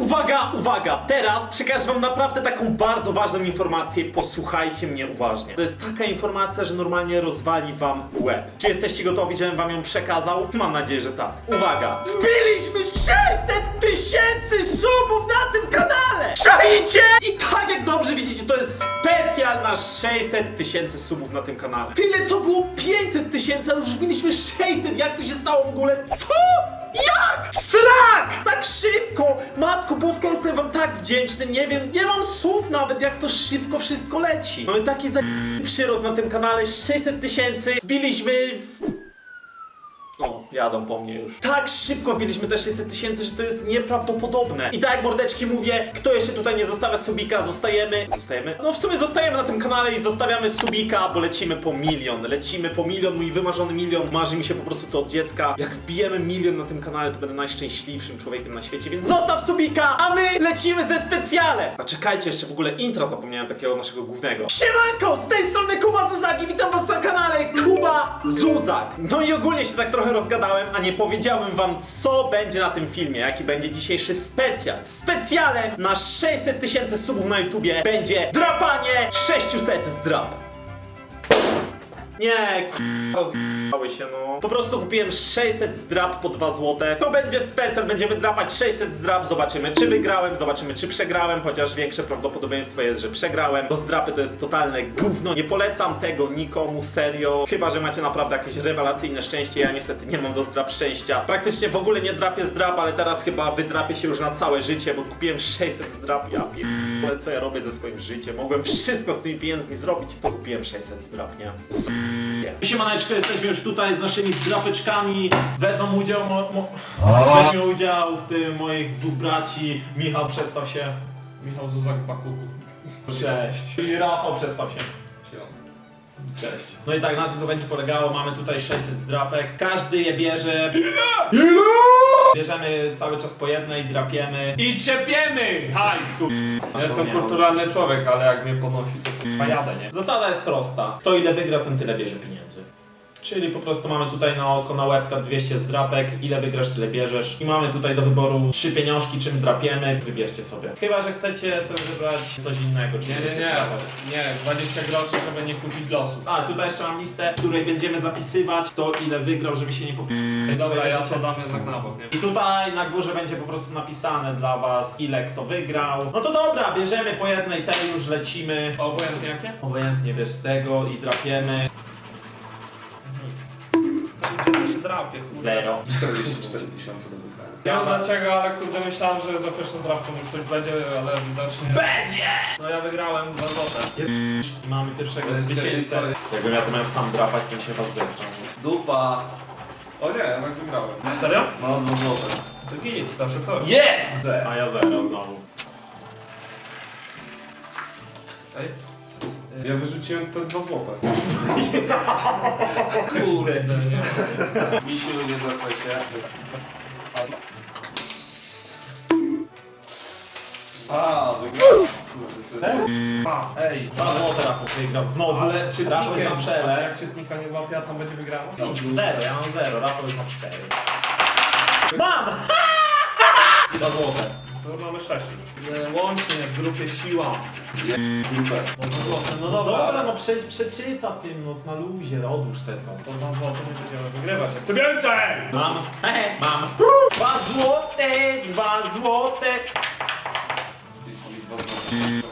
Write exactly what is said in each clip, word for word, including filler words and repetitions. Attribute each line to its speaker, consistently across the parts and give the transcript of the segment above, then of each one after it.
Speaker 1: Uwaga, uwaga! Teraz przekażę wam naprawdę taką bardzo ważną informację. Posłuchajcie mnie uważnie. To jest taka informacja, że normalnie rozwali wam łeb. Czy jesteście gotowi, żebym wam ją przekazał? Mam nadzieję, że tak. Uwaga! Wbiliśmy sześćset tysięcy subów na tym kanale! Czaicie? I tak jak dobrze widzicie, to jest specjal na sześćset tysięcy subów na tym kanale. Tyle co było pięćset tysięcy, a już wbiliśmy sześćset. Jak to się stało w ogóle? Co? Jak? Srak! Tak szybko! Matko Boska, jestem wam tak wdzięczny, nie wiem, nie mam słów nawet, jak to szybko wszystko leci. Mamy taki za... przyrost na tym kanale, sześćset tysięcy, wbiliśmy... O, jadą po mnie już. Tak szybko wbiliśmy te sześćset tysięcy, że to jest nieprawdopodobne. I tak jak mordeczki mówię, kto jeszcze tutaj nie zostawia subika, zostajemy... Zostajemy? No w sumie zostajemy na tym kanale i zostawiamy subika, bo lecimy po milion. Lecimy po milion, mój wymarzony milion. Marzy mi się po prostu to od dziecka. Jak wbijemy milion na tym kanale, to będę najszczęśliwszym człowiekiem na świecie, więc zostaw subika, a my lecimy ze specjale. A czekajcie, jeszcze w ogóle intra zapomniałem takiego naszego głównego. Siemanko, z tej strony Kuba Zuzak i witam was na kanale Kuba Zuzak. No i ogólnie się tak trochę rozgadałem, a nie powiedziałem wam, co będzie na tym filmie, jaki będzie dzisiejszy specjal. Specjalem na sześćset tysięcy subów na YouTubie będzie drapanie sześćset zdrap. Nie, k***ały się no. Po prostu kupiłem sześćset zdrap po dwa złote. To będzie specjal, będziemy drapać sześćset zdrap, zobaczymy czy wygrałem, zobaczymy czy przegrałem, chociaż większe prawdopodobieństwo jest, że przegrałem, bo zdrapy to jest totalne gówno. Nie polecam tego nikomu, serio. Chyba że macie naprawdę jakieś rewelacyjne szczęście, ja niestety nie mam do zdrap szczęścia. Praktycznie w ogóle nie drapię zdrap, ale teraz chyba wydrapię się już na całe życie, bo kupiłem sześćset zdrap, ja pierdolę, co ja robię ze swoim życiem. Mogłem wszystko z tymi pieniędzmi zrobić, to kupiłem sześćset zdrap, nie? Siemaneczko, jesteśmy już tutaj z naszymi zdrapeczkami. Wezmą udział, mo, mo, weźmie udział w tym moich dwóch braci. Michał, przedstaw się.
Speaker 2: Michał Zuzak Bakuku.
Speaker 1: Cześć. I Rafał, przedstaw się. Cześć. No i tak na tym to będzie polegało. Mamy tutaj sześćset zdrapek. Każdy je bierze. Ile? Ile? Bierzemy cały czas po jednej, drapiemy.
Speaker 2: I trzepiemy! Hajs, kur... Ja jestem kulturalny człowiek, ale jak mnie ponosi, to k***a jadę, nie?
Speaker 1: Zasada jest prosta. Kto ile wygra, ten tyle bierze pieniędzy. Czyli po prostu mamy tutaj na oko, na łebka dwieście zdrapek, ile wygrasz, tyle bierzesz. I mamy tutaj do wyboru trzy pieniążki, czym drapiemy, wybierzcie sobie. Chyba że chcecie sobie wybrać coś innego, czy
Speaker 2: Nie, nie,
Speaker 1: chcecie
Speaker 2: nie,
Speaker 1: zdrapać.
Speaker 2: nie, dwadzieścia groszy, żeby nie kusić losu.
Speaker 1: A, tutaj jeszcze mam listę, w której będziemy zapisywać to, ile wygrał, żeby się nie pop...
Speaker 2: Dobra, ja to dam jednak na bok, nie?
Speaker 1: I tutaj na górze będzie po prostu napisane dla was, ile kto wygrał. No to dobra, bierzemy po jednej, tej już lecimy.
Speaker 2: Obojętnie jakie?
Speaker 1: Obojętnie bierz z tego i drapiemy.
Speaker 2: To się drapie, kurde.
Speaker 1: Zero.
Speaker 3: czterdzieści cztery tysiące do wygrania.
Speaker 2: Nie wiem dlaczego, ale kurde myślałem, że za pierwszą drapką już coś będzie, ale widocznie...
Speaker 1: Będzie!
Speaker 2: No ja wygrałem dwa złote.
Speaker 1: I mamy pierwszego
Speaker 3: Ale
Speaker 1: zwycięzcę.
Speaker 3: co-
Speaker 1: Jakbym ja to miał sam drapać, to bym się was zestrał.
Speaker 3: Dupa! O nie, jednak wygrałem.
Speaker 2: Serio?
Speaker 3: No, dwa złote.
Speaker 2: To git, zawsze coś.
Speaker 1: Jest!
Speaker 3: Że.
Speaker 1: A ja zero znowu.
Speaker 2: Ej.
Speaker 3: Ja wyrzuciłem te dwa złote.
Speaker 1: Kurde.
Speaker 2: Nie ma.
Speaker 3: Misiu, nie zasłaj się. A, wygrałem. Skurwysyn.
Speaker 2: A, ej.
Speaker 1: Dwa złote Rafał wygrał znowu.
Speaker 2: Ale
Speaker 1: Rafał
Speaker 2: czytnikiem,
Speaker 1: jest na czele.
Speaker 2: jak czytnika nie złapie, a tam będzie wygrała?
Speaker 1: Zero, ja mam zero, Rafał już ma cztery. Mam! Dwa złote.
Speaker 2: To mamy sześć już. Nie, łącznie w grupie siła.
Speaker 3: Je... Dupę.
Speaker 2: No, dwa złote, no
Speaker 1: No
Speaker 2: dobra.
Speaker 1: dobra, no prze, przeczyta tym, no na luzie, odłóż se to.
Speaker 2: To dwa złote nie będziemy wygrywać. Ja chcę więcej!
Speaker 1: Mam, hehe, mam. Dwa złote, dwa złote.
Speaker 3: Wpisuj mi dwa złote.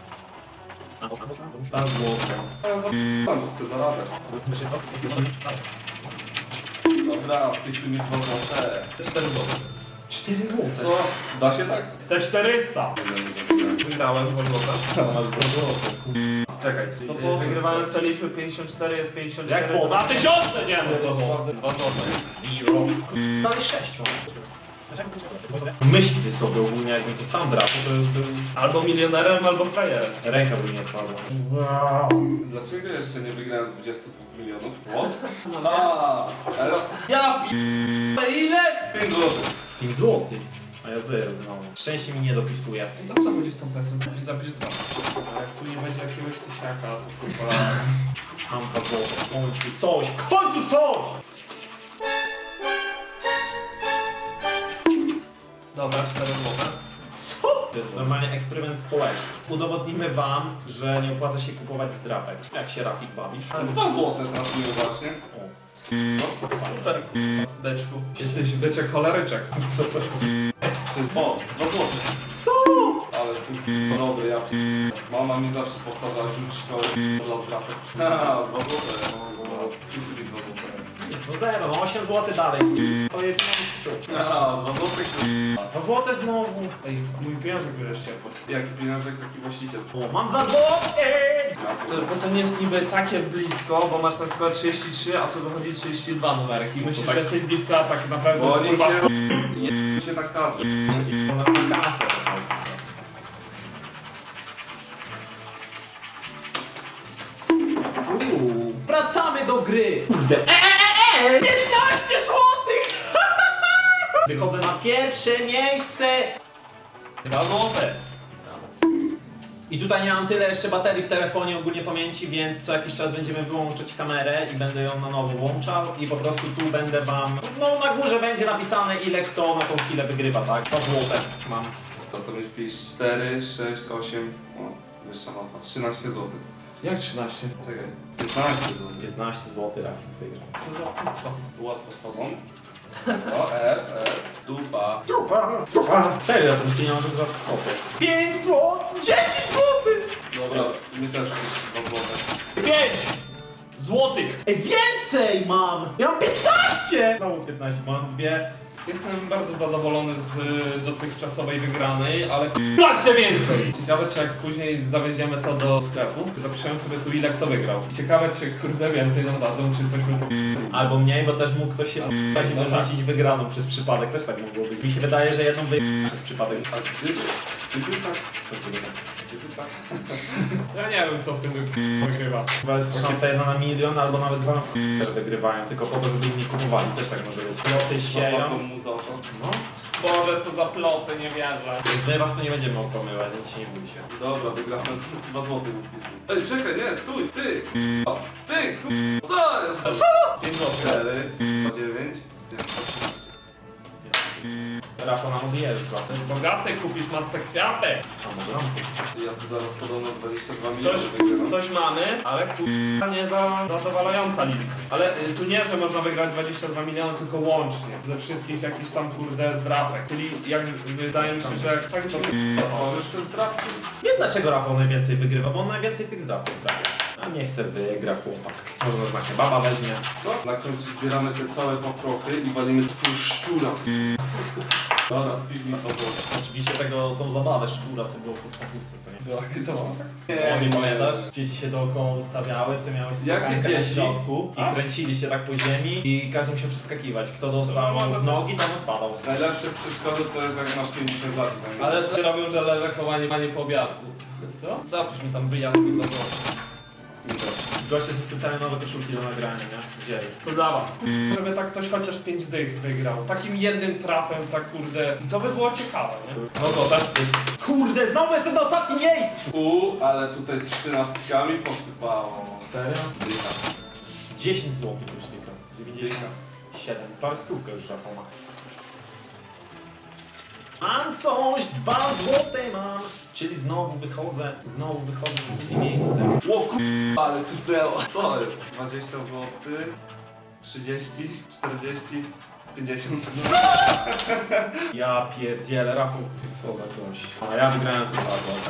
Speaker 1: Dwa złote.
Speaker 3: A ja za... bo chcę zarabiać. Dobra, wpisuj mi dwa złote.
Speaker 2: cztery złote.
Speaker 1: Cztery złote.
Speaker 3: Co? Da się tak?
Speaker 2: Chcę czterysta!
Speaker 3: Nie, nie, nie, nie.
Speaker 2: Wygrałem dwa złote.
Speaker 1: Masz dwa złote.
Speaker 2: Czekaj. To po wygrywając liczby pięćdziesiąt cztery jest pięćdziesiąt cztery.
Speaker 1: Jak po-
Speaker 2: Dwa tysiące! Nie no, dwa złote. Dwa złote.
Speaker 1: Zero. Dalej sześć mam. Myślcie sobie ogólnie, jakbym to sam drapał, to już był...
Speaker 2: Albo milionerem, albo frajerem.
Speaker 1: Ręka by mi odpadła.
Speaker 3: Dlaczego jeszcze nie wygrałem dwudziestu dwóch milionów? What? A, teraz... Ja p... ile? pięć złotych.
Speaker 1: pięć złotych. A ja zero znowu. Szczęście mi nie dopisuje.
Speaker 2: I tam co chodzi z tą pesą? Zapisz dwa. A jak tu nie będzie jakiegoś tysiaka, to kurwa...
Speaker 1: Mam dwa złote. W końcu coś. W końcu coś!
Speaker 2: Dobra, cztery złote.
Speaker 1: Co? To jest normalnie eksperyment społeczny. Udowodnimy wam, że nie opłaca się kupować zdrapek. Jak się Rafik bawisz?
Speaker 3: Dwa złote trafiłem właśnie.
Speaker 1: O.
Speaker 2: Super, k***a, deczku. Jesteś beczek choleryczek. Co to?
Speaker 3: O, dwa złote.
Speaker 1: Co?
Speaker 3: Ale super, dobry, ja p... Mama mi zawsze powtarzała, rzuć szkoły dla zdrapek. Haha, dwa złote. No, i sobie dwa złote.
Speaker 1: Nic, no zero, no osiem złotych dalej. Stoję w miejscu.
Speaker 3: Haha, dwa złote.
Speaker 1: Dwa złote znowu.
Speaker 2: Ej, mój pieniążek wreszcie.
Speaker 3: Jaki pieniążek, taki właściciel.
Speaker 1: O, mam dwa złote!
Speaker 2: To, bo to nie jest niby takie blisko, bo masz na przykład trzydzieści trzy, a tu wychodzi trzydzieści dwa numerek i myślisz,
Speaker 1: tak-
Speaker 2: że jesteś blisko, a tak naprawdę
Speaker 3: Bo
Speaker 2: jest
Speaker 3: oni
Speaker 2: kurwa...
Speaker 3: cię je cię na kasę.
Speaker 1: U nas na kasę po prostu. Uuu, wracamy do gry! Kurde. E, e, e, piętnaście złotych! Wychodzę na pierwsze miejsce!
Speaker 2: Dwa złote.
Speaker 1: I tutaj nie mam tyle jeszcze baterii w telefonie, ogólnie pamięci, więc co jakiś czas będziemy wyłączać kamerę i będę ją na nowo włączał i po prostu tu będę wam... No na górze będzie napisane ile kto na tą chwilę wygrywa, tak? Dwa złote mam.
Speaker 3: To co byś pisz? cztery, sześć, osiem, o, wyższa mapa. trzynaście złotych.
Speaker 2: Jak trzynaście?
Speaker 3: Czekaj. piętnaście złotych.
Speaker 1: piętnaście złotych Rafik wygrał.
Speaker 2: Co za co?
Speaker 3: Łatwo z tobą. O, S, S, dupa.
Speaker 1: Trupa, trupa. Serio, ten pieniążek za stopę. pięć złotych! dziesięć złotych!
Speaker 3: Dobra, mi też pisz dwa złote.
Speaker 2: pięć złotych!
Speaker 1: Ej, więcej mam! Ja mam piętnaście! Znowu piętnaście, mam dwie.
Speaker 2: Jestem bardzo zadowolony z y, dotychczasowej wygranej, ale k***a chcę więcej! Ciekawe, czy jak później zawieziemy to do sklepu, zapiszemy sobie tu ile kto wygrał. I ciekawe, czy kurde więcej nam dadzą, czy coś my po...
Speaker 1: Albo mniej, bo też mógł ktoś się będzie
Speaker 2: no
Speaker 1: dorzucić wygraną przez przypadek. Też tak mogło być. Mi się wydaje, że jedną wy... przez przypadek.
Speaker 3: A gdyby, gdyby tak,
Speaker 1: Co gdyby tak?
Speaker 3: gdyby tak.
Speaker 2: Ja nie wiem, kto w tym wy- wygrywa.
Speaker 1: Chyba jest szansa jedna na milion, albo nawet dwa na w... że wygrywają, tylko po to, żeby inni kupowali. Też tak może być. Ploty sieją.
Speaker 3: Zapłacą mu za to.
Speaker 1: No.
Speaker 2: Boże, co za ploty, nie wierzę.
Speaker 1: Więc my was tu nie będziemy okłamywać, więc się nie bójcie.
Speaker 3: Dobra, wygrałem. Dwa złote mu wpisuj. Ej, czekaj, nie, stój, ty, k***a. Ty, k***a. Co jest? Co?
Speaker 2: pięć złotych.
Speaker 3: cztery, dziewięć, osiemnaście.
Speaker 1: Rafał nam odjeżdża.
Speaker 2: To jest bogaty, kupisz matce kwiaty.
Speaker 1: A może nam
Speaker 3: Ja tu zaraz podobno dwadzieścia dwa
Speaker 2: Coś,
Speaker 3: miliony wygram.
Speaker 2: coś mamy, ale kurwa nie za zadowalająca liczba. Ale y, tu nie, że można wygrać dwadzieścia dwa miliony, tylko łącznie. Ze wszystkich jakichś tam kurde zdrapek. Czyli jak wydaje mi się, że jak tak co
Speaker 3: Otworzysz te zdrapki?
Speaker 1: Wiem dlaczego Rafał najwięcej wygrywa, bo on najwięcej tych zdrapów prawie. A nie chce wygra chłopak. Może na znakę baba weźmie.
Speaker 3: Co? Na końcu zbieramy te całe paprochy i walimy takiego szczura. Dobra, wpisz mi to złote.
Speaker 1: Oczywiście tego, tą zabawę szczura, co było w podstawówce, co nie?
Speaker 2: była jakaś zabawa?
Speaker 1: O, nie pamiętasz? Dzieci się dookoła ustawiały, ty miałeś
Speaker 3: Jakie
Speaker 1: skakankę na
Speaker 3: dzieci?
Speaker 1: środku i
Speaker 2: A?
Speaker 1: kręciliście tak po ziemi i każdy musiał przeskakiwać. Kto dostał
Speaker 2: No, może
Speaker 1: w
Speaker 2: coś-
Speaker 1: nogi, ten odpadał.
Speaker 3: Najlepsze w przedszkolu to jest jak masz pięćdziesiąt lat. i tam
Speaker 2: Ale że robią, że leżę koło nie pani po obiadku. Co? Zapisz mi tam bryjatki do głowy.
Speaker 1: Goście ze specjalne nowe koszulki do nagrania, nie? Wzięli.
Speaker 2: To dla was. Żeby tak ktoś chociaż pięć dych wygrał. Takim jednym trafem, tak kurde. To by było ciekawe, nie?
Speaker 1: No to też jest. Kurde, znowu jestem na ostatnim miejscu!
Speaker 3: U, ale tutaj trzynastkami posypało.
Speaker 1: Serio?
Speaker 3: Dycha.
Speaker 1: dziesięć złotych już wygrał. dziewięćdziesiąt siedem. Prawie stówkę już Rafał ma. Mam coś, dwa złote mam. Czyli znowu wychodzę, znowu wychodzę na drugie miejsce.
Speaker 3: Ło ku... ale sypnęło. Co jest? dwadzieścia złotych, trzydzieści, czterdzieści, pięćdziesiąt.
Speaker 1: Ja pierdzielę, Rafał, co za gość. A ja wygrałem z dwa złote.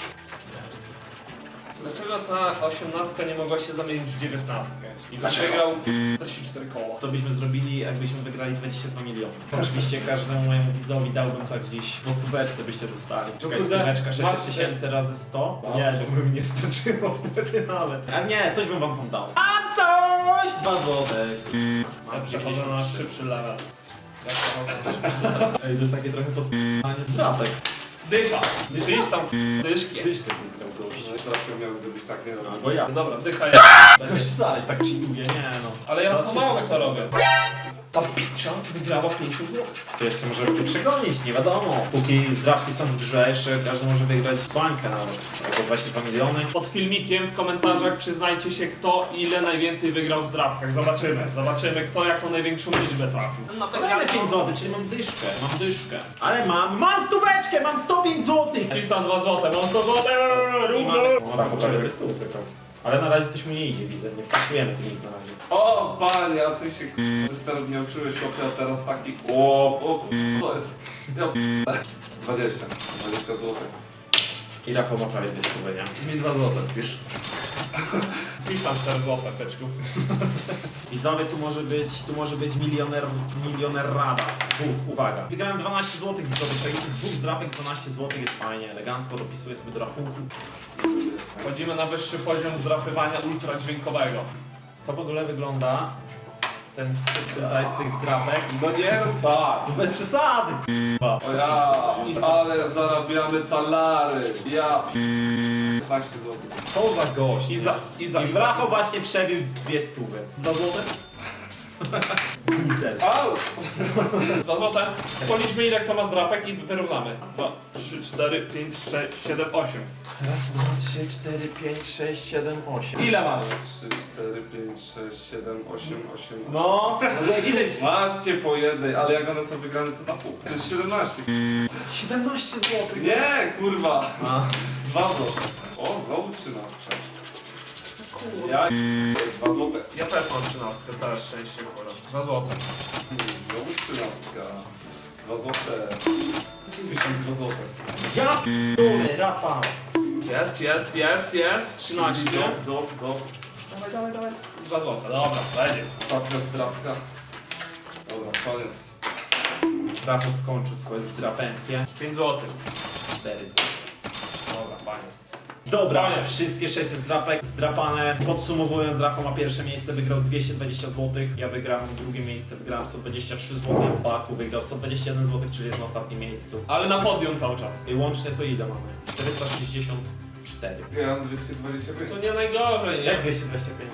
Speaker 2: Dlaczego ta osiemnastka nie mogła się zamienić w dziewiętnastkę? I byś
Speaker 1: Dlaczego?
Speaker 2: wygrał czterdzieści cztery koła.
Speaker 1: Co byśmy zrobili, jakbyśmy wygrali dwadzieścia dwa miliony? Oczywiście każdemu mojemu widzowi dałbym tak gdzieś po stóweczce byście dostali. Czekaj,
Speaker 2: kurde,
Speaker 1: stóweczka sześćset
Speaker 2: masz-
Speaker 1: tysięcy razy sto?
Speaker 2: No.
Speaker 1: Nie, to by mi nie starczyło wtedy nawet. A nie, coś bym wam tam dał. A coś! Dwa złote.
Speaker 2: Ja przechodzę na szybszy level. Ja przechodzę na szybszy level.
Speaker 1: Ej, to jest takie trochę podpalanie zdrapek.
Speaker 2: Dycha! Dycha tam dyszki.
Speaker 1: Dyszkę wygrał gość.
Speaker 3: No i trochę miałyby być takie.
Speaker 1: Albo ja.
Speaker 2: No dobra, dycha jest.
Speaker 1: Gość dalej tak cheatuje, nie no.
Speaker 2: Ale ja
Speaker 1: Zaraz wszyscy
Speaker 2: pomału
Speaker 1: tak
Speaker 2: to
Speaker 1: robią.
Speaker 2: robię. Ta picza wygrała pięćdziesiąt złotych.
Speaker 1: To jeszcze możemy tu przegonić, nie wiadomo. Póki zdrabki są w grze, jeszcze każdy może wygrać bańkę nawet. Albo dwadzieścia dwa miliony.
Speaker 2: Pod filmikiem w komentarzach przyznajcie się, kto ile najwięcej wygrał w drapkach. Zobaczymy. Zobaczymy, kto jaką największą liczbę trafił.
Speaker 1: No dajmy pięć złotych, czyli mam dyszkę, mam dyszkę. Ale mam, mam stóweczkę, mam sto pięć złotych!
Speaker 2: Pisz tam dwa złote, mam sto złotych, równo!
Speaker 1: Rafał prawie bez stół wygrał. Ale na razie coś mu nie idzie, widzę, nie wpisujemy tu nic na razie.
Speaker 3: O, panie, a ty się k***a, coś teraz nie uczyłeś, chłopie, a teraz taki o, o k***a, co jest? Ja p***a. dwadzieścia, dwadzieścia złotych.
Speaker 1: I Rafał ma prawie dwie stówy, nie?
Speaker 2: Mi dwa złote wpisz. Pisz tam cztery złote, beczku.
Speaker 1: Widzowie, tu może być, tu może być milioner, milioner rada. Z dwóch, uwaga. Wygrałem dwanaście złotych, widzowie, to z dwóch zdrapek dwanaście złotych jest fajnie, elegancko, dopisuję sobie do rachunku.
Speaker 2: Wchodzimy na wyższy poziom zdrapywania ultradźwiękowego.
Speaker 1: To w ogóle wygląda, ten syp tutaj z tych zdrapek.
Speaker 3: No nie rób tak.
Speaker 1: Bez przesady, k***a.
Speaker 3: O ja, ale zarabiamy talary. Ja p***a. piętnaście złotych.
Speaker 1: Co za gość.
Speaker 2: I za, i za,
Speaker 1: I
Speaker 2: i za.
Speaker 1: Rafał właśnie przebił dwie stówy.
Speaker 2: Dwa złote?
Speaker 1: Kurde.
Speaker 3: Au!
Speaker 2: Dwa złote. Policzmy ile kto ma zdrapek i wyrównamy. Dwa, trzy, cztery, pięć, sześć, siedem, osiem.
Speaker 1: Raz, dwa, trzy, cztery, pięć, sześć, siedem, osiem.
Speaker 2: Ile masz?
Speaker 3: trzy, cztery, pięć, sześć, siedem, osiem, osiem,
Speaker 1: No,
Speaker 2: Ile ci?
Speaker 3: Macie po jednej, ale jak one są wygrane, to na pół. To jest siedemnaście.
Speaker 1: siedemnaście złotych.
Speaker 3: Nie, kurwa.
Speaker 1: A.
Speaker 3: Dwa złote. O, znowu trzynastka. Ja dwa złote.
Speaker 2: Ja też mam trzynastkę, całe szczęście, kurwa. Dwa złote.
Speaker 3: Znowu trzynastka. Dwa złote. Myślałem dwa złote.
Speaker 1: Ja p***dolę, Rafał.
Speaker 2: Jest, jest, jest, jest. trzynaście.
Speaker 3: Dop, dop, dop.
Speaker 2: Dawaj, dawaj, dawaj. Dwa złote, dobra, będzie.
Speaker 3: Ostatnia zdrabka. Dobra, koniec.
Speaker 1: Rafał skończył swoje zdrapencje.
Speaker 2: pięć złotych.
Speaker 1: cztery złote.
Speaker 2: Dobra, fajnie.
Speaker 1: Dobra,
Speaker 2: Koniec.
Speaker 1: wszystkie sześć zdrapek zdrapane. Podsumowując, Rafał ma pierwsze miejsce, wygrał dwieście dwadzieścia złotych. Ja wygrałem drugie miejsce, wygrałem sto dwadzieścia trzy złote. Baku wygrał sto dwadzieścia jeden złotych, czyli jest na ostatnim miejscu.
Speaker 2: Ale na podium cały czas.
Speaker 1: I łącznie to ile mamy? czterysta sześćdziesiąt cztery.
Speaker 3: Ja mam dwieście dwadzieścia pięć.
Speaker 2: To nie najgorzej, nie?
Speaker 1: Jak dwieście dwadzieścia pięć?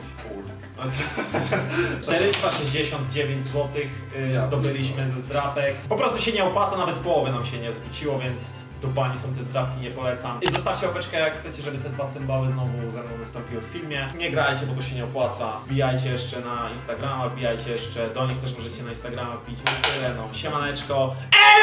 Speaker 1: czterysta sześćdziesiąt dziewięć złotych y,
Speaker 3: Ja.
Speaker 1: zdobyliśmy ze zdrapek. Po prostu się nie opłaca, nawet połowy nam się nie zwróciło, więc do bani są te zdrapki, nie polecam. I zostawcie łapeczkę, jak chcecie, żeby te dwa cymbały znowu ze mną wystąpiły w filmie. Nie grajcie, bo to się nie opłaca. Wbijajcie jeszcze na Instagrama, wbijajcie jeszcze, do nich też możecie na Instagrama wbić. No tyle, no. Siemaneczko. Ej!